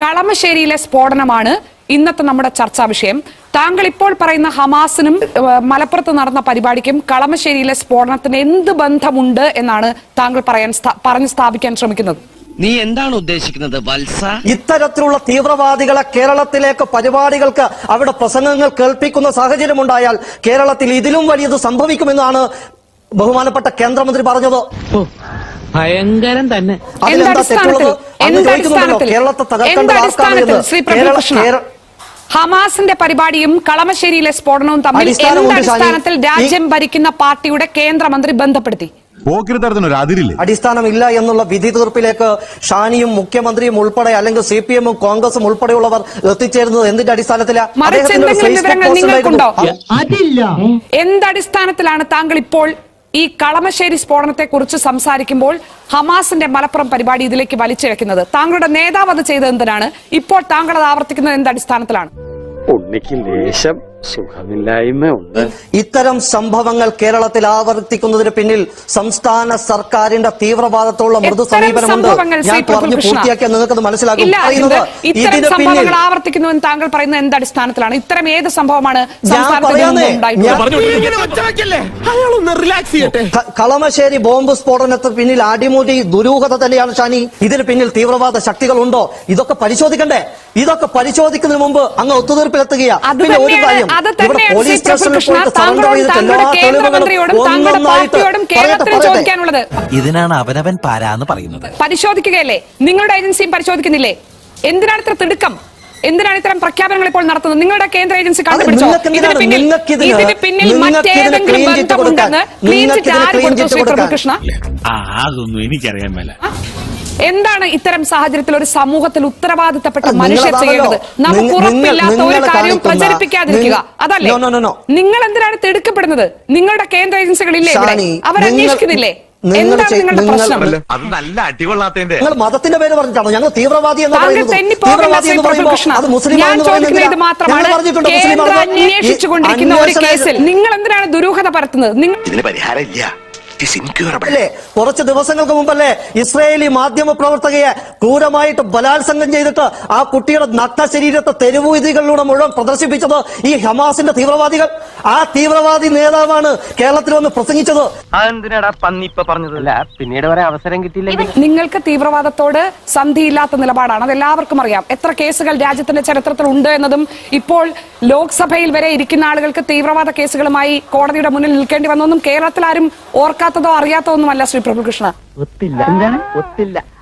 കളമശ്ശേരിയിലെ സ്ഫോടനമാണ് ഇന്നത്തെ നമ്മുടെ ചർച്ചാ വിഷയം. താങ്കൾ ഇപ്പോൾ പറയുന്ന ഹമാസിനും മലപ്പുറത്ത് നടന്ന പരിപാടിക്കും കളമശ്ശേരിയിലെ സ്ഫോടനത്തിന് എന്ത് ബന്ധമുണ്ട് എന്നാണ് താങ്കൾ പറഞ്ഞു സ്ഥാപിക്കാൻ ശ്രമിക്കുന്നത്? നീ എന്താണ് ഉദ്ദേശിക്കുന്നത് വത്സ? ഇത്തരത്തിലുള്ള തീവ്രവാദികളെ കേരളത്തിലേക്ക് പരിപാടികൾക്ക് അവിടെ പ്രസംഗങ്ങൾ കേൾപ്പിക്കുന്ന സാഹചര്യമുണ്ടായാൽ കേരളത്തിൽ ഇതിലും വലിയത് സംഭവിക്കുമെന്നാണ് ബഹുമാനപ്പെട്ട കേന്ദ്രമന്ത്രി പറഞ്ഞത്. ഭയങ്കരം തന്നെ. ഹമാസിന്റെ പരിപാടിയും കളമശ്ശേരിയിലെ സ്ഫോടനവും തമ്മിൽ അടിസ്ഥാനത്തിൽ രാജ്യം ഭരിക്കുന്ന പാർട്ടിയുടെ കേന്ദ്രമന്ത്രി ബന്ധപ്പെടുത്തി? അടിസ്ഥാനമില്ല എന്നുള്ള വിധി തീർപ്പിലേക്ക് ഷാനിയും മുഖ്യമന്ത്രിയും ഉൾപ്പെടെ അല്ലെങ്കിൽ CPM കോൺഗ്രസും ഉൾപ്പെടെയുള്ളവർ എത്തിച്ചേരുന്നത് എന്തിന്റെ അടിസ്ഥാനത്തിലാണ്? എന്തടിസ്ഥാനത്തിലാണ് താങ്കൾ ഇപ്പോൾ ഈ കളമശ്ശേരി സ്ഫോടനത്തെ കുറിച്ച് സംസാരിക്കുമ്പോൾ ഹമാസിന്റെ മലപ്പുറം പരിപാടി ഇതിലേക്ക് വലിച്ചിഴക്കുന്നത്? താങ്കളുടെ നേതാവ് അത് ചെയ്തത് എന്തിനാണ്? ഇപ്പോൾ താങ്കൾ അത് ആവർത്തിക്കുന്നത് എന്തടിസ്ഥാനത്തിലാണ്? സുഖമില്ലായ്മയുണ്ട്. ഇത്തരം സംഭവങ്ങൾ കേരളത്തിൽ ആവർത്തിക്കുന്നതിന് പിന്നിൽ സംസ്ഥാന സർക്കാരിന്റെ തീവ്രവാദത്തോടുള്ള മൃദു സമീപനമുണ്ട്. ഞാൻ പറഞ്ഞു പൂർത്തിയാക്കിയാൽ നിങ്ങൾക്കത് മനസ്സിലാകും. ഇത്തരം സംഭവങ്ങൾ ആവർത്തിക്കുന്നുവെന്ന് താങ്കൾ പറയുന്നത് എന്തടിസ്ഥാനത്തിലാണ്? ഇത്തരം ഏത് സംഭവമാണ്? കളമശ്ശേരി ബോംബ് സ്ഫോടനത്തിന് പിന്നിൽ അടിമുടി ദുരൂഹത തന്നെയാണ് ഷാനി. ഇതിന് പിന്നിൽ തീവ്രവാദ ശക്തികളുണ്ടോ? ഇതൊക്കെ പരിശോധിക്കണ്ടേ? ഇതൊക്കെ പരിശോധിക്കുന്നതിന് മുമ്പ് അങ്ങ് ഒത്തുതീർപ്പിലെത്തുകയാണ്. പിന്നെ ഒരു കാര്യം, പോലീസ് സ്റ്റേഷനിൽ പോയിട്ട് സറണ്ടർ ചെയ്തിട്ട് എല്ലാ തെളിവുകളും ഒന്നൊന്നായിട്ട് ചോദിക്കാനുള്ളത്. ഇതിനാണ് അവനവൻ പാരാന്ന് പറയുന്നത്. പരിശോധിക്കുകയല്ലേ? നിങ്ങളുടെ ഏജൻസിയും പരിശോധിക്കുന്നില്ലേ? എന്തിനാണ് ഇത്ര തിടുക്കം? എന്തിനാണ് ഇത്തരം പ്രഖ്യാപനങ്ങൾ ഇപ്പോൾ നടത്തുന്നത്? നിങ്ങളുടെ കേന്ദ്ര ഏജൻസി കണ്ടുപിടിച്ചോ ഇതിന് പിന്നിൽ മറ്റേതെങ്കിലും ബന്ധമുണ്ടെന്ന് ക്ലീൻ ചിറ്റ് ആര് കൊടുത്തു? ശ്രീ പ്രഭുകൃഷ്ണ, അതൊന്നും എനിക്കറിയാൻ മേല. എന്താണ് ഇത്തരം സാഹചര്യത്തിൽ ഒരു സമൂഹത്തിൽ ഉത്തരവാദിത്തപ്പെട്ട മനുഷ്യർ ചെയ്യേണ്ടത്? നമുക്ക് ഉറപ്പില്ലാത്ത ഒരു കാര്യവും പ്രചരിപ്പിക്കാതിരിക്കുക, അതല്ലേ? നിങ്ങൾ എന്തിനാണ് തിടുക്കപ്പെടുന്നത്? നിങ്ങളുടെ കേന്ദ്ര ഏജൻസികളില്ലേ? അവരന്വേഷിക്കുന്നില്ലേ? എന്താണ് നിങ്ങളുടെ പ്രശ്നം? നിങ്ങൾ മതത്തിന്റെ പേര് പറഞ്ഞിട്ടാണോ ഞങ്ങൾ തീവ്രവാദി എന്ന് പറയുന്നത്? ഞാൻ ചോദിക്കുന്നത് ഇത് മാത്രമാണ്. കേന്ദ്രം അന്വേഷിച്ചുകൊണ്ടിരിക്കുന്ന ഒരു കേസിൽ നിങ്ങൾ എന്തിനാണ് ദുരൂഹത പരത്തുന്നത്? ഇതിന് പരിഹാരമില്ല. കുറച്ച് ദിവസങ്ങൾക്ക് മുമ്പല്ലേ ഇസ്രയേലി മാധ്യമ പ്രവർത്തകയെ ക്രൂരമായിട്ട് ബലാത്സംഗം ചെയ്തിട്ട് ആ കുട്ടിയുടെ നഗ്ന ശരീരത്തെ തെരുവുവീഥികളിലൂടെ മുഴുവൻ പ്രദർശിപ്പിച്ചത് ഈ ഹമാസിന്റെ തീവ്രവാദികൾ. ആ തീവ്രവാദി നേതാവാണ് കേരളത്തിൽ വന്ന് പ്രസംഗിച്ചത്. പിന്നീട് വരെ അവസരം കിട്ടിയില്ല. നിങ്ങൾക്ക് തീവ്രവാദത്തോട് സന്ധിയില്ലാത്ത നിലപാടാണ്, അത് എല്ലാവർക്കും അറിയാം. എത്ര കേസുകൾ രാജ്യത്തിന്റെ ചരിത്രത്തിൽ ഉണ്ട് എന്നതും ഇപ്പോൾ ലോക്സഭയിൽ വരെ ഇരിക്കുന്ന ആളുകൾക്ക് തീവ്രവാദ കേസുകളുമായി കോടതിയുടെ മുന്നിൽ നിൽക്കേണ്ടി വന്നൊന്നും കേരളത്തിൽ ആരും ഓർക്കാത്തതോ അറിയാത്തതൊന്നുമല്ല ശ്രീ പ്രഭുകൃഷ്ണ. ഒത്തില്ല. എന്താണ് ഒത്തില്ല?